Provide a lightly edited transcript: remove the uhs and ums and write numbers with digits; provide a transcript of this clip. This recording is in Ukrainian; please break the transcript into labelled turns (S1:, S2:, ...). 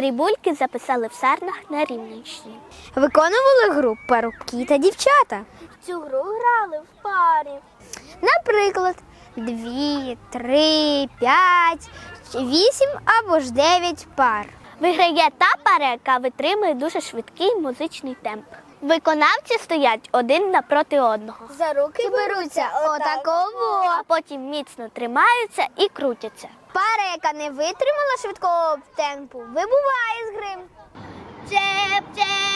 S1: Дрібульки записали в Сарнах на Рівненщині.
S2: Виконували гру парубки та дівчата.
S1: В цю гру грали в парі.
S2: Наприклад, 2, 3, 5, 8 або ж 9 пар.
S1: Виграє та пара, яка витримує дуже швидкий музичний темп. Виконавці стоять один напроти одного.
S2: За руки беруться отаково.
S1: А потім міцно тримаються і крутяться.
S2: Пара, яка не витримала швидкого темпу, вибуває з гри.
S1: Чеп-чеп!